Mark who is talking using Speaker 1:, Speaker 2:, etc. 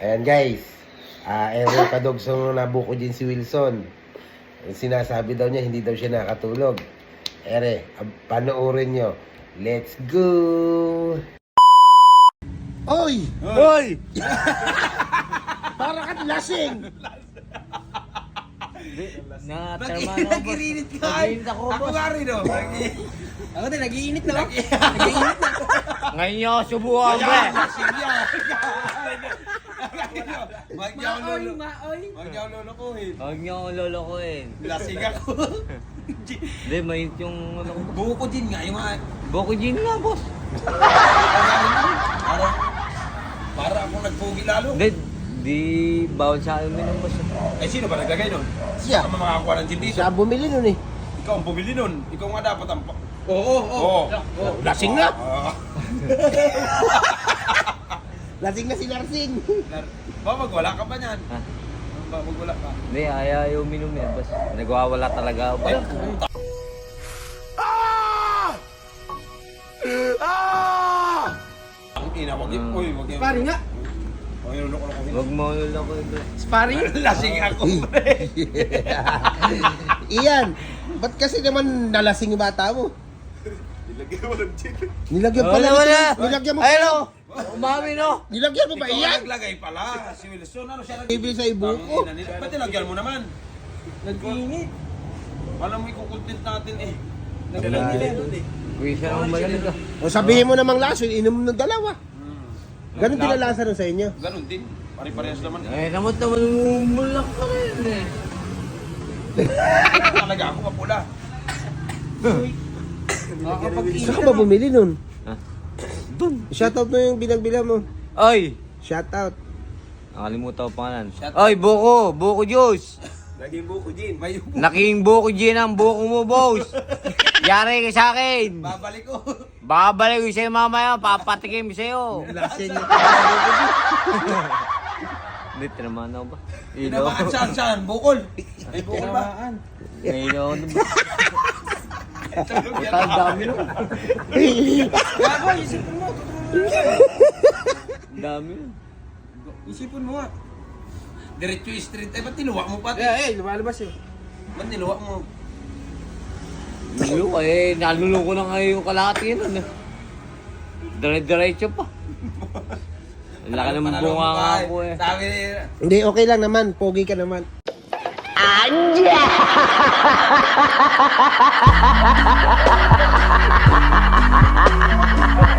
Speaker 1: Ayan guys, Ere Kadogsong nabuko din si Wilson. Sinasabi daw niya, hindi daw siya nakatulog. Ere, panoorin nyo. Let's go! Oy!
Speaker 2: Hoy!
Speaker 1: Para ka lasing!
Speaker 2: Natarma na ako.
Speaker 3: Nag-iinit ka.
Speaker 2: Nag-iinit ako,
Speaker 3: Ako
Speaker 2: boss.
Speaker 3: nga rin, oh.
Speaker 4: Ako din, nag-iinit na lang. Nag-iinit na.
Speaker 2: Ngayon nyo ako subuhan, pre.
Speaker 3: Huwag niya ako
Speaker 4: Maoy,
Speaker 3: lolo.
Speaker 4: maoy.
Speaker 3: Huwag niya ako lolokohin.
Speaker 2: Huwag nyo akong lolokohin.
Speaker 3: Lasing ako.
Speaker 2: Hindi, mainit yung ano ko.
Speaker 3: Buko ko din nga, yung mga...
Speaker 2: Boko gin nga, boss.
Speaker 3: Para akong nagpugi lalo.
Speaker 2: Hindi, di bawal sa akin minum, boss.
Speaker 3: Eh, sino ba naglagay nun?
Speaker 1: Siya.
Speaker 3: Sino makakakuha ng gin dito?
Speaker 1: Siya bumili nun eh.
Speaker 3: Ikaw ang bumili nun. Ikaw nga dapat ang...
Speaker 4: Oo, oo.
Speaker 1: Lasing na!
Speaker 3: Ah.
Speaker 1: Lasing na si Larsing!
Speaker 3: Ba, magwala ka pa niyan?
Speaker 2: Ha?
Speaker 3: Ba, magwala ka?
Speaker 2: Hindi, ayaw minum yan, boss. Nagwawala talaga ako.
Speaker 3: Ay, ang ina, wag yung... Uy, wag yung...
Speaker 4: Sparring nga.
Speaker 3: Wag yung lolo-lolokohin.
Speaker 2: Huwag mo lolokohin, pre.
Speaker 4: Sparring?
Speaker 3: Lasing ako, pre.
Speaker 1: Iyan, ba't kasi naman nalasing yung bata mo?
Speaker 3: Nilagyan mo ng gin.
Speaker 1: Nilagyan pala
Speaker 2: Wala.
Speaker 1: Nilagyan mo
Speaker 2: Ayun, oh. Umami, no?
Speaker 1: Nilagyan mo ba
Speaker 3: Ikaw
Speaker 1: iyan?
Speaker 3: ang naglagay pala. Si Wilson, ano siya
Speaker 1: Bibili sa ibuko.
Speaker 3: Ba't nilagyan mo naman?
Speaker 4: Nag-iinit.
Speaker 3: Alam mo, ikukontent natin eh.
Speaker 4: Nag-iinit doon eh.
Speaker 2: Kuya siya ng malamig, ah.
Speaker 1: O sabihin mo namang laso, inom ng dalawa. Ganun din ang lasa nun sa inyo.
Speaker 3: Ganun din. Pare-parehas naman.
Speaker 2: Eh, naman umulak ka rin, eh.
Speaker 3: Talaga ako mapula.
Speaker 4: Nakakapag-init
Speaker 1: Saan ka ba bumili nun?
Speaker 2: Ha?
Speaker 1: Shoutout mo yung binagbila mo.
Speaker 2: Oy!
Speaker 1: Shoutout.
Speaker 2: Nakalimutan ko pangalan. Oy, buko! Buko juice!
Speaker 3: Laging buko gin. May buko.
Speaker 2: Naking buko gin ang buko mo, boss! Yari ka sa akin!
Speaker 3: Babalik ko.
Speaker 2: Babalik ko sa'yo mamaya, papatikim ko sa'yo!
Speaker 1: Lasing na.
Speaker 2: Hindi, tinamaan ako ba?
Speaker 3: Tinamaan saan? Bukol. May bukol ba?
Speaker 4: Tinamaan.
Speaker 2: Ngayon ako na ba?
Speaker 3: Tulog yan.
Speaker 2: Ang dami nun.
Speaker 4: Gago, isipin mo.
Speaker 2: Ang dami nun.
Speaker 4: Isipin mo nga.
Speaker 3: Diretso yung street. Eh, ba't niluwa mo pati?
Speaker 4: Lumalabas yun.
Speaker 3: Ba't niluwa mo?
Speaker 2: Lulo, eh, naluloko na ngayon yung kalahati nun. Dire-diretso pa. Ang laki ng bunga nga ako eh.
Speaker 3: Sabi
Speaker 1: Hindi, okay lang naman. Pogi ka naman.
Speaker 5: Anja!